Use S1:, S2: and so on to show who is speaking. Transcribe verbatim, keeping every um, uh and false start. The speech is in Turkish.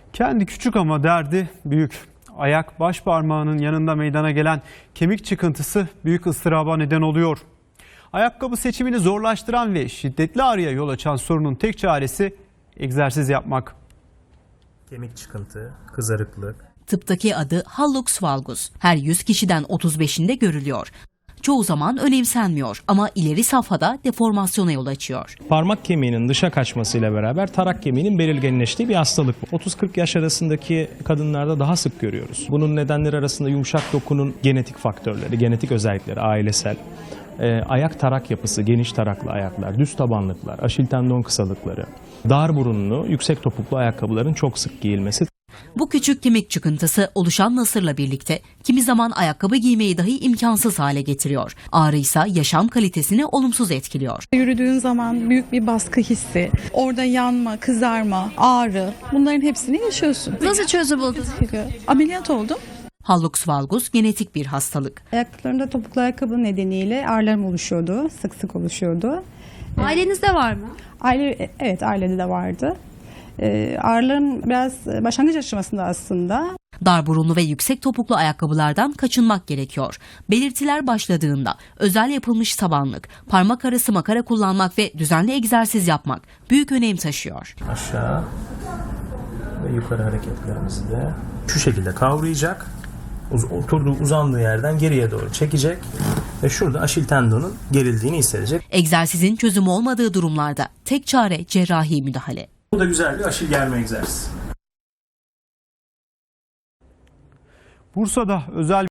S1: Kendi küçük ama derdi büyük. Ayak baş parmağının yanında meydana gelen kemik çıkıntısı büyük ıstıraba neden oluyor. Ayakkabı seçimini zorlaştıran ve şiddetli ağrıya yol açan sorunun tek çaresi egzersiz yapmak.
S2: Kemik çıkıntı, kızarıklık.
S3: Tıptaki adı hallux valgus. Her yüz kişiden otuz beşinde görülüyor. Çoğu zaman önemsenmiyor ama ileri safhada deformasyona yol açıyor.
S4: Parmak kemiğinin dışa kaçmasıyla beraber tarak kemiğinin belirginleştiği bir hastalık bu. otuz kırk yaş arasındaki kadınlarda daha sık görüyoruz. Bunun nedenleri arasında yumuşak dokunun genetik faktörleri, genetik özellikleri, ailesel, e, ayak tarak yapısı, geniş taraklı ayaklar, düz tabanlıklar, aşil tendon kısalıkları, dar burunlu, yüksek topuklu ayakkabıların çok sık giyilmesi.
S3: Bu küçük kemik çıkıntısı oluşan nasırla birlikte kimi zaman ayakkabı giymeyi dahi imkansız hale getiriyor. Ağrı ise yaşam kalitesini olumsuz etkiliyor.
S5: Yürüdüğün zaman büyük bir baskı hissi, orada yanma, kızarma, ağrı, bunların hepsini yaşıyorsun.
S6: Nasıl çözüm buldun?
S5: Ameliyat oldum.
S3: Hallux valgus genetik bir hastalık.
S7: Ayaklarımda topuklu ayakkabı nedeniyle ağrılarım oluşuyordu, sık sık oluşuyordu.
S6: Ailenizde var mı?
S7: Aile, evet ailede de vardı. Ee, ağrılarım biraz başlangıç aşamasında aslında.
S3: Dar burunlu ve yüksek topuklu ayakkabılardan kaçınmak gerekiyor. Belirtiler başladığında özel yapılmış tabanlık, parmak arası makara kullanmak ve düzenli egzersiz yapmak büyük önem taşıyor.
S2: Aşağı ve yukarı hareketlerimizi de şu şekilde kavrayacak. Oturduğu, uzandığı yerden geriye doğru çekecek ve şurada aşil tendonun gerildiğini hissedecek.
S3: Egzersizin çözümü olmadığı durumlarda tek çare cerrahi müdahale.
S2: Bu da güzel bir aşil germe egzersizi.
S1: Bursa'da özel